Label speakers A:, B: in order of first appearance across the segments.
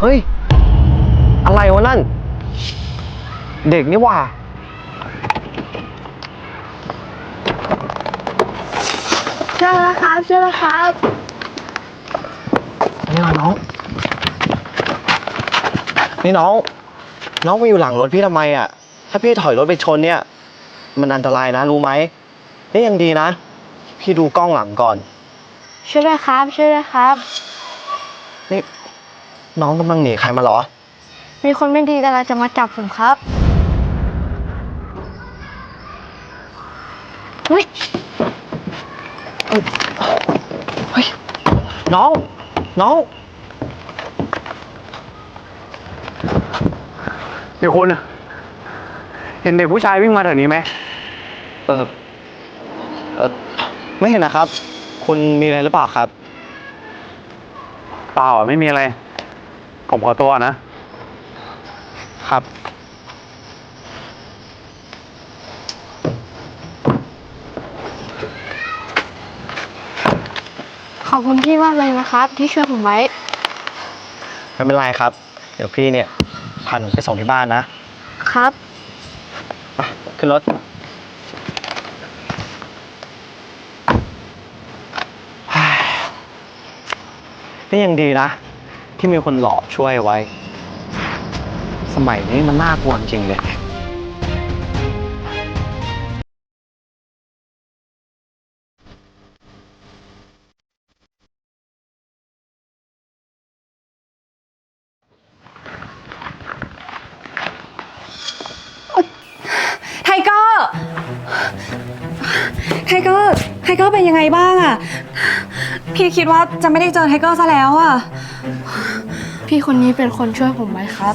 A: เฮ้ยอะไรวะนั่นเด็กนี่หว่า
B: เชื่อแล้วครับเชื่อแล้วครับ
A: นี่มาน้องนี่น้องมาอยู่หลังรถพี่ทำไมอ่ะถ้าพี่ถอยรถไปชนเนี่ยมันอันตรายนะรู้ไหมนี่ยังดีนะพี่ดูกล้องหลังก่อน
B: เชื่อแล้วครับเชื่อแล้วครับ
A: นี่น้องกำลังหนีใครมาเหรอ
B: มีคนไม่ดีกำลังจะมาจับผมครับเฮ้ย
A: เฮ้ยน้อง
C: เดี๋ยวคุณเห็นเด็กผู้ชายวิ่งมาแถวนี้ไหม
A: เออไม่เห็นนะครับคุณมีอะไรหรือเปล่าครับ
C: เปล่าไม่มีอะไรผมขอตัวนะครับ
B: ขอบคุณพี่มากเลยนะครับที่ช่วยผมไว้
A: ไม่เป็นไรครับเดี๋ยวพี่เนี่ยพาหนูไปส่งที่บ้านนะครับขึ้นรถนี่ยังดีนะที่มีคนหล่อช่วยไว้สมัยนี้มันน่ากลัวจริงเลย
D: ไทเกอร์เป็นยังไงบ้างอะพี่คิดว่าจะไม่ได้เจอไทเกอร์ซะแล้วอะ
B: พี่คนนี้เป็นคนช่วยผมไว้ครับ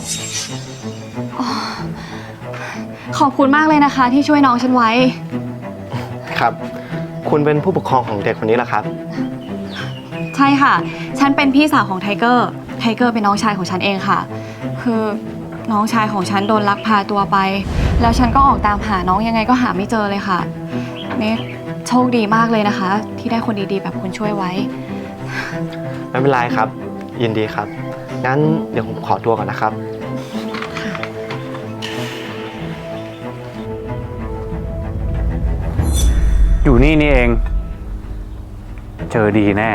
D: ขอบคุณมากเลยนะคะที่ช่วยน้องฉันไว้
A: ครับคุณเป็นผู้ปกครองของเด็กคนนี้เหรอครับ
D: ใช่ค่ะฉันเป็นพี่สาวของไทเกอร์เป็นน้องชายของฉันเองค่ะคือน้องชายของฉันโดนลักพาตัวไปแล้วฉันก็ออกตามหาน้องยังไงก็หาไม่เจอเลยค่ะนี่โชคดีมากเลยนะคะที่ได้คนดีๆแบบคุณช่วยไว้
A: ไม่เป็นไรครับยินดีครับงั้นเดี๋ยวผมขอตัวก่อนนะครับ
C: อยู่นี่เองเจอดีแน่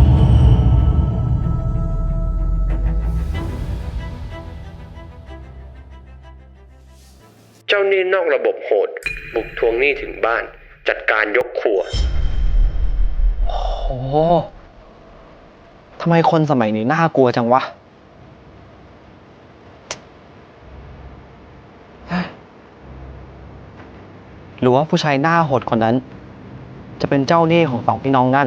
E: เจ้าหนี้นอกระบบโหดบุกทวงหนี้ถึงบ้านจัดการยกครัว
A: โอ้โหทำไมคนสมัยนี้น่ากลัวจังวะหรือว่าผู้ชายหน้าโหดคนนั้นจะเป็นเจ้าหนี้ของสองพี่น้องนั่น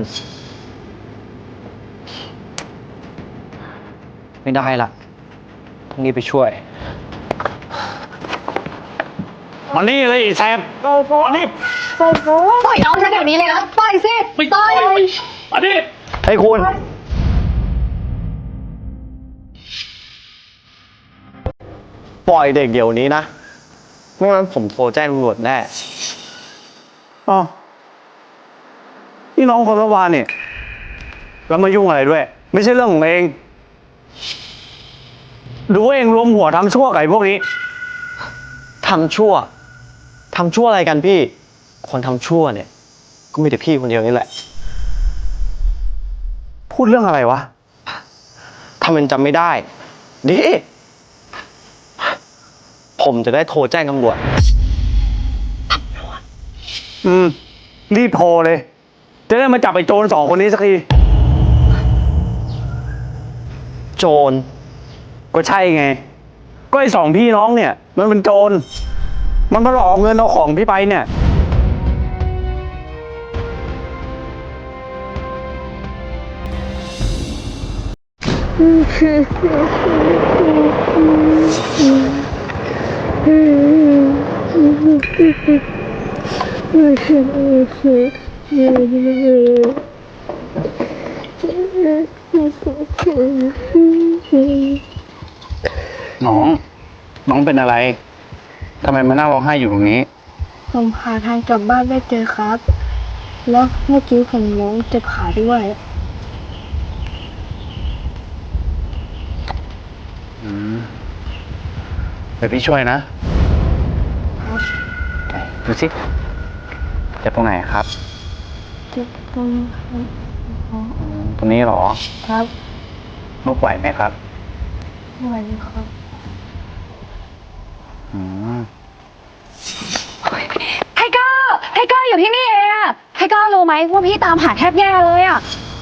A: ไม่ได้ละต้องรีบไปช่วย
C: มานี่เลยแซมมานี่
B: ปล่อยน้องฉันเดี๋ยวนี้เลยนะปล่อยสิปล่อย
C: มานี่
A: ให้คุณปล่อยเด็กเดี๋ยวนี้นะไม่งั้นผมโทรแจ้งตำรวจแน่
C: อ๋อนี่น้องคนละวานเนี่ยแล้วมายุ่งอะไรด้วยไม่ใช่เรื่องของเองดูว่าเองรวมหัวทำชั่วกับไอ้พวกนี้
A: ทำชั่วอะไรกันพี่คนทำชั่วเนี่ยก็มีแต่พี่คนเดียวนี่แหละ
C: พูดเรื่องอะไรวะ
A: ทำเป็นจำไม่ได้ดิผมจะได้โทรแจ้งตำรวจ
C: รีบโทรเลยจะได้มาจับไอ้โจรสองคนนี้สักที
A: โจร
C: ก็ใช่ไงก็ไอ้สองพี่น้องเนี่ยมันเป็นโจรมันมาหลอกเงินเอาของพี่ไปเนี่ยน้องเป็นอะไรทำไมมานั่งร้องไห้อยู่ตรงนี้
B: ผมหาทางกลับบ้านไม่เจอครับแล้วเมื่อกี้ผมล้มเจ็บขาด้วย
C: เดี๋ยวพี่ช่วยนะดูสิเจ็บตรงไหนครับ
B: เจ็บตรงครับ
C: ตรงนี้เหรอ
B: ครับ
C: ลุกไหวไหมครับ
B: ไหวครับ
C: อืม
D: ไทเกอร์อยู่ที่นี่เองอะไทเกอร์รู้ไหมว่าพี่ตามหาแทบแย่เลยอะ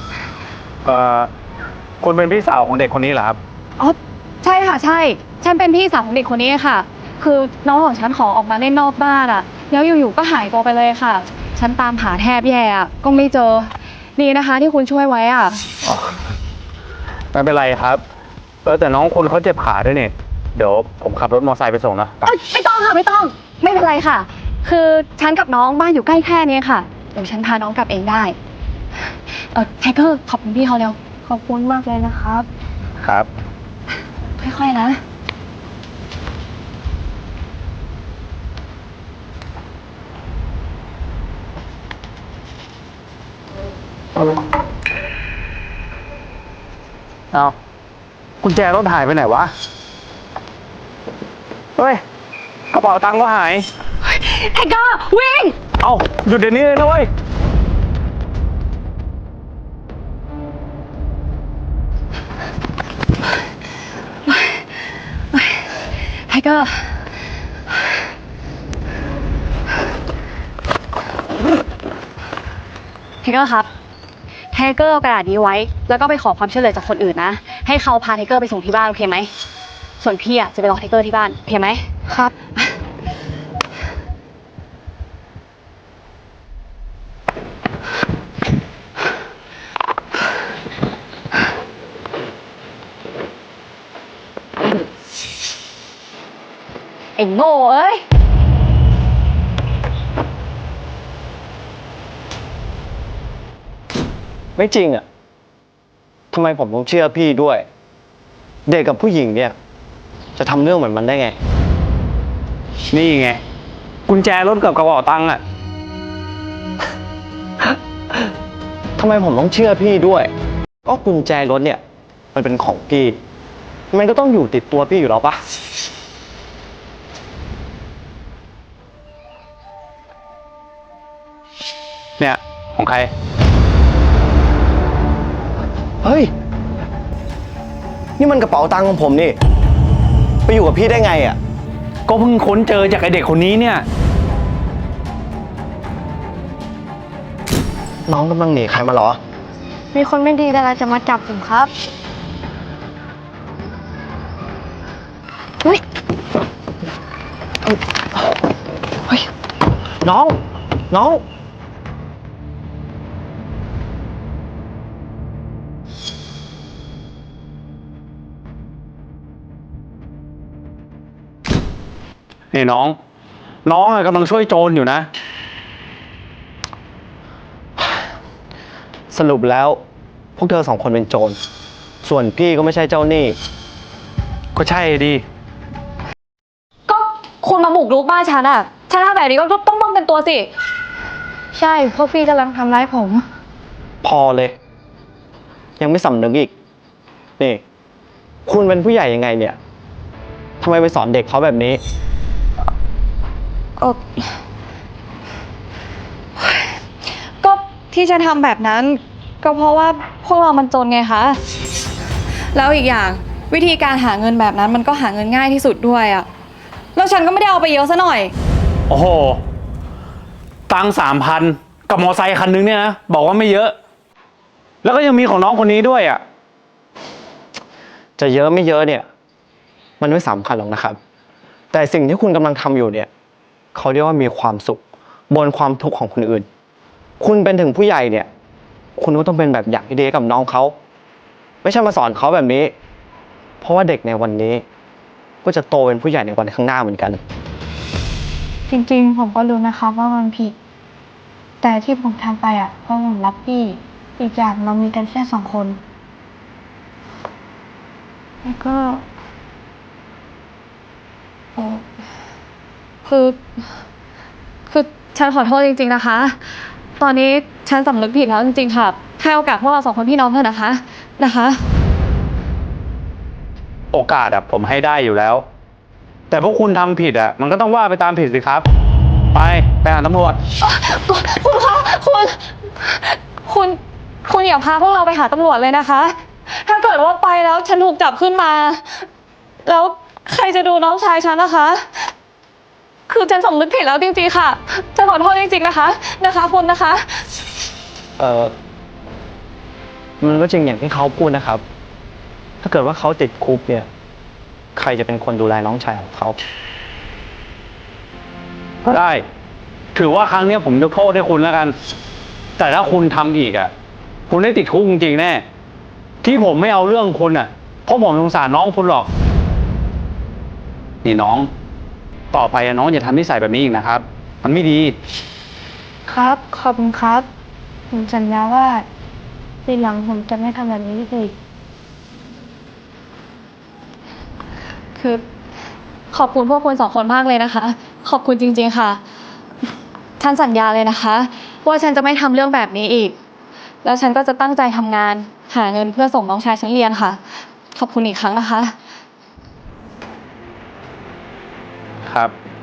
C: คุณเป็นพี่สาวของเด็กคนนี้เหรอครับ
D: อ๋อใช่ค่ะใช่ ฉันเป็นพี่สาวของเด็กคนนี้ค่ะ คือน้องของฉันขอออกมาเล่นนอกบ้านอะแล้วอยู่ๆก็หายตัวไปเลยค่ะ ฉันตามหาแทบแย่อะก็ไม่เจอดีนะคะที่คุณช่วยไว้อะ
C: ไม่เป็นไรครับแต่น้องคนเขาเจ็บขาด้วยเนี่ยเดี๋ยวผมขับรถมอเตอร์ไซค์ไปส่งนะ
D: ไม่ต้องค่ะไม่เป็นไรค่ะ คือฉันกับน้องบ้านอยู่ใกล้แค่นี้ค่ะเดี๋ยวฉันพาน้องกลับเองได้ไทเกอร์ขอบคุณพี่เขาเร็ว
B: ขอบคุณมากเลยนะครับ
C: ครับ
D: ค่อยๆนะ
C: เอากุญแจรถหายไปไหนวะ เฮ้ย กระเป๋าตังค์ก็หาย
D: ไทเกอร์วิ่ง
C: เอาหยุดเดี๋ยวนี้เลยนะเว้ย
D: ไทเกอร์ครับไทเกอร์เอากระดาษนี้ไว้ แล้วก็ไปขอความช่วยเหลือจากคนอื่นนะ ให้เขาพาไทเกอร์ไปส่งที่บ้านโอเคไหม ส่วนพี่อ่ะจะไปรอไทเกอร์ที่บ้านโอเคไหม
B: ครับ
D: ไอ้โง่เอ้ย
A: ไม่จริงอ่ะทำไมผมต้องเชื่อพี่ด้วย เด็กกับผู้หญิงเนี่ย จะทำเรื่องเหมือนมันได้ไง
C: นี่ไง กุญแจรถกับกระเป๋าตังค์อ่ะ
A: ทำไมผมต้องเชื่อพี่ด้วย ก็กุญแจรถเนี่ย มันเป็นของพี่ มันก็ต้องอยู่ติดตัวพี่อยู่แล้วปะ
C: เนี่ย ของใคร
A: เฮ้ย นี่มันกระเป๋าตังค์ของผมนี่ ไปอยู่กับพี่ได้ไงอ่ะ
C: ก็เพิ่งค้นเจอจากไอเด็กคนนี้เนี่ย
A: น้องกำลังหนีใครมาเหรอ
B: มีคนไม่ดีอะไรจะมาจับผมครับ
A: เฮ้ย น้อง
C: นี่น้องอะกำลังช่วยโจรอยู่นะ
A: สรุปแล้ว พวกเธอสองคนเป็นโจร ส่วนพี่ก็ไม่ใช่เจ้าหนี้
C: ก็ใช่ดิ
D: ก็คุณมาบุกรุกบ้านฉันอ่ะ ฉันทำแบบนี้ก็ต้องป้องกันตัวสิ
B: ใช่พวกพี่กำลังทำร้ายผม
A: พอเลย ยังไม่สำนึกอีก นี่ คุณเป็นผู้ใหญ่ยังไงเนี่ยทำไมไปสอนเด็กเขาแบบนี้
D: ก็ที่ฉันทำแบบนั้น ก็เพราะว่าพวกเรามันจนไงคะ แล้วอีกอย่างวิธีการหาเงินแบบนั้นมันก็หาเงินง่ายที่สุดด้วยอะแล้วฉันก็ไม่ได้เอาไปเยอะซะหน่อย
C: โอ้โห ตังค์3,000กับมอไซค์คันนึงเนี่ยนะ บอกว่าไม่เยอะ แล้วก็ยังมีของน้องคนนี้ด้วยอ่ะ
A: จะเยอะไม่เยอะเนี่ย มันไม่สำคัญหรอกนะครับ แต่สิ่งที่คุณกำลังทำอยู่เนี่ย เขาเรียกว่ามีความสุข บนความทุกข์ของคนอื่น คุณเป็นถึงผู้ใหญ่เนี่ย คุณก็ต้องเป็นแบบอย่างที่ดีกับน้องเขา ไม่ใช่มาสอนเขาแบบนี้ เพราะว่าเด็กในวันนี้ ก็จะโตเป็นผู้ใหญ่ในวันข้างหน้าเหมือนกัน
B: จริงๆ ผมก็รู้นะครับว่ามันผิด แต่ที่ผมทำไปอ่ะเพราะผมรักพี่ อีกอย่างเรามีกันแค่2 คน แล้วก็
D: คือฉันขอโทษจริงๆนะคะ ตอนนี้ฉันสำนึกผิดแล้วจริงๆค่ะให้โอกาสพวกเรา2 คนพี่น้องเถอะนะคะ
C: โอกาสผมให้ได้อยู่แล้ว แต่พวกคุณทำผิดมันก็ต้องว่าไปตามผิดสิครับ ไปหาตำรวจ
D: คุณคะคุณอย่าพาพวกเราไปหาตำรวจเลยนะคะ ถ้าเกิดว่าไปแล้วฉันถูกจับขึ้นมา แล้วใครจะดูน้องชายฉันนะคะ คือฉันสำนึกผิดแล้วจริงๆค่ะฉันขอโทษจริงๆนะคะคุณนะคะ
A: มันก็จริงอย่างที่เขาพูดนะครับ ถ้าเกิดว่าเขาติดคุกเนี่ย ใครจะเป็นคนดูแลน้องชายของเขา
C: ได้ ถือว่าครั้งนี้ผมยกโทษให้คุณแล้วกัน แต่ถ้าคุณทำอีกคุณได้ติดคุกจริงๆแน่ ที่ผมไม่เอาเรื่องคุณเพราะผมสงสารน้องคุณหรอก นี่น้อง ต่อไปน้องอย่าทำนิสัยแบบนี้อีกนะครับ มันไม่ดี
B: ครับขอบคุณครับ ผมสัญญาว่าทีหลังผมจะไม่ทำแบบนี้อีก
D: คือขอบคุณพวกคุณ2 คนมากเลยนะคะ ขอบคุณจริงๆค่ะฉันสัญญาเลยนะคะ ว่าฉันจะไม่ทำเรื่องแบบนี้อีก แล้วฉันก็จะตั้งใจทำงานหาเงินเพื่อส่งน้องชายฉันเรียนค่ะ ขอบคุณอีกครั้งนะคะ
C: ครับ